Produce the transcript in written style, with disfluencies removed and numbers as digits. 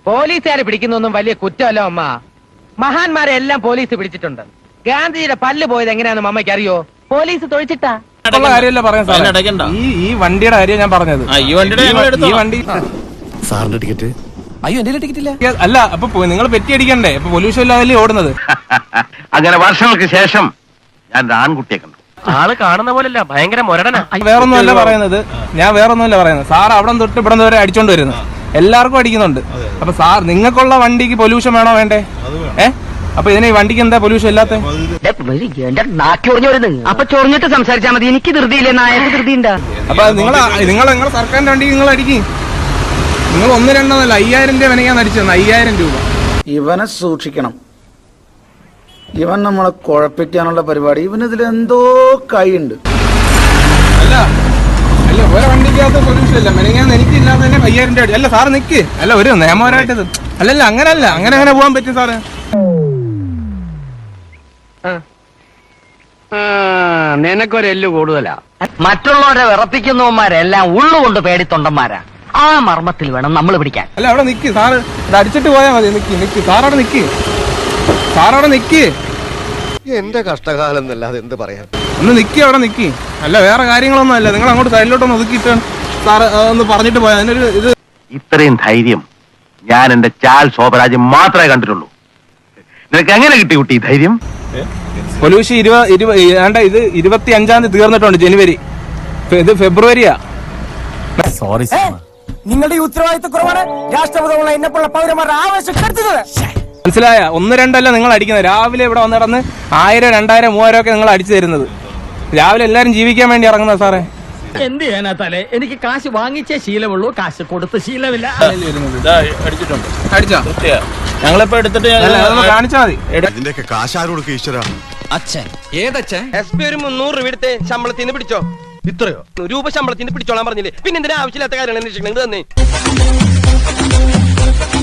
പോലീസുകാരെ പിടിക്കുന്നൊന്നും വലിയ കുറ്റമല്ല അമ്മ. മഹാന്മാരെ എല്ലാം പോലീസ് പിടിച്ചിട്ടുണ്ട്. ഗാന്ധിജിയുടെ പല്ല് പോയത് എങ്ങനെയാണെന്ന് അമ്മയ്ക്ക് അറിയോ? പോലീസ് തൊഴിച്ചിട്ടാ. കാര്യമല്ല പറയുന്നത്. ഈ വണ്ടിയുടെ കാര്യം ഞാൻ പറഞ്ഞത്. ഈ വണ്ടി സാറിന്റെ ടിക്കറ്റ്. അയ്യോ എന്റെ ടിക്കറ്റ് ഇല്ല. അല്ല, അപ്പൊ നിങ്ങൾ പെറ്റി അടിക്കണ്ടേ? അപ്പൊ പൊല്യൂഷൻ ഇല്ലാതല്ലേ ഓടുന്നത്. അങ്ങനെ വർഷങ്ങൾക്ക് ശേഷം ഞാൻ ആൺകുട്ടിയെ കണ്ടു. ആള് കാണുന്ന പോലല്ല, ഭയങ്കര മൊരടനാ. വേറൊന്നുമല്ല പറയുന്നത്, ഞാൻ വേറൊന്നുമല്ല പറയുന്നത്. സാർ അവിടെ തൊട്ട് ഇവിടെ വരെ അടിച്ചോണ്ട് വരുന്നത്, എല്ലാവർക്കും അടിക്കുന്നുണ്ട്. അപ്പൊ സാർ നിങ്ങൾക്കുള്ള വണ്ടിക്ക് പൊല്യൂഷൻ വേണോ വേണ്ടേ? അപ്പൊ ഇതിന് ഈ വണ്ടിക്ക് എന്താ പൊല്യൂഷൻ ഇല്ലാത്ത? അപ്പൊ ചൊറിഞ്ഞിട്ട് സംസാരിച്ചാൽ മതി. എനിക്ക് ധൃതിയില്ലേ, നായക്ക് ധൃതി ഉണ്ടാ. അപ്പൊ നിങ്ങൾ സർക്കാരിന്റെ വണ്ടിക്ക് നിങ്ങൾ അടിക്കും. നിങ്ങൾ 1-2 5000 രൂപ വിനയാൻ അടിച്ചത്. 5000 രൂപ. ഇവനെ സൂക്ഷിക്കണം. ഇവൻ നമ്മളെ കുഴപ്പിക്കാനുള്ള പരിപാടി. ഇവനിതിൽ എന്തോ കൈയുണ്ട്. അല്ല ഒരു വണ്ടിക്കകത്ത് പൊല്യൂഷൻ ഇല്ല. മെനങ്ങാൻ എനിക്കില്ലാതെ തന്നെ 5000 രൂപ. അല്ല സാറ് നിക്ക്. അല്ല ഒരു നിയമപരമായിട്ടത് അല്ലല്ല, അങ്ങനല്ല. അങ്ങനെ പോകാൻ പറ്റും സാറ്? നിനക്കൊരെല്ലു കൂടുതലാ. മറ്റുള്ളവരെ വിറപ്പിക്കുന്നവന്മാരെല്ലാം ഉള്ളുകൊണ്ട് പേടിത്തൊണ്ടന്മാരാ. ആ മർമ്മത്തിൽ വേണം നമ്മൾ പിടിക്കാൻ. അല്ല അവിടെ നിക്ക് സാറ്. ഇത് അടിച്ചിട്ട് പോയാൽ മതി. നിക്ക് സാറവിടെ നിക്ക്. എന്റെ കഷ്ടകാലം എന്നല്ലാതെ എന്ത് പറയാൻ. ഒന്ന് നിക്ക്, അവിടെ നിക്ക്. അല്ല വേറെ കാര്യങ്ങളൊന്നും അല്ല. നിങ്ങൾ അങ്ങോട്ട് സൈഡിലോട്ടൊന്ന് ഒതുക്കിയിട്ട് സാറ് ഒന്ന് പറഞ്ഞിട്ട് പോയാൽ അതിനൊരു ഇത്. ഇത്രയും ധൈര്യം ഞാൻ എന്റെ ചാൽ ശോഭരാജ് മാത്രമേ കണ്ടിട്ടുള്ളൂ. നിനക്ക് എങ്ങനെ കിട്ടി കുട്ടി ഈ ധൈര്യം? പൊല്യൂഷൻ 25-ാം തീയതി തീർന്നിട്ടുണ്ട്. ജനുവരി. ഇത് ഫെബ്രുവരിയാ. സോറി നിങ്ങളുടെ ഈ ഉത്തരവാദിത്തക്കുറവാണ് രാഷ്ട്രപതിയുള്ള എന്നെപ്പോലുള്ള പൗരന്മാരുടെ ആവശ്യം കരുതുന്നത്. മനസ്സിലായ? 1-2 നിങ്ങൾ അടിക്കുന്നത്. രാവിലെ ഇവിടെ വന്ന് കിടന്ന് 1000, 2000, 3000 ഒക്കെ നിങ്ങൾ അടിച്ചു തരുന്നത്. രാവിലെ എല്ലാരും ജീവിക്കാൻ വേണ്ടി ഇറങ്ങുന്നത് സാറേ. എന്ത് ചെയ്യാനാ തലേ? എനിക്ക് കാശ് വാങ്ങിച്ചേ ശീലമുള്ളൂ, കാശ് കൊടുത്ത് ശീലമില്ല. അടിച്ചോ? ഞങ്ങളിപ്പോ എടുത്തിട്ട് കാണിച്ചാ മതി. ഇതിന്റെയൊക്കെ കാശാര് കൊടുക്കുക ഈശ്വര? അച്ഛൻ ഏതച്ഛൻ? SP ഒരു 300 രൂപ എടുത്ത് ശമ്പളത്തിന് പിടിച്ചോ. ഇത്രയോ രൂപ ശമ്പളത്തിന് പിടിച്ചോളാൻ പറഞ്ഞില്ലേ? പിന്നെ എന്തിനാ ആവശ്യമില്ലാത്ത കാര്യങ്ങൾ അന്വേഷിക്കണം? തന്നെ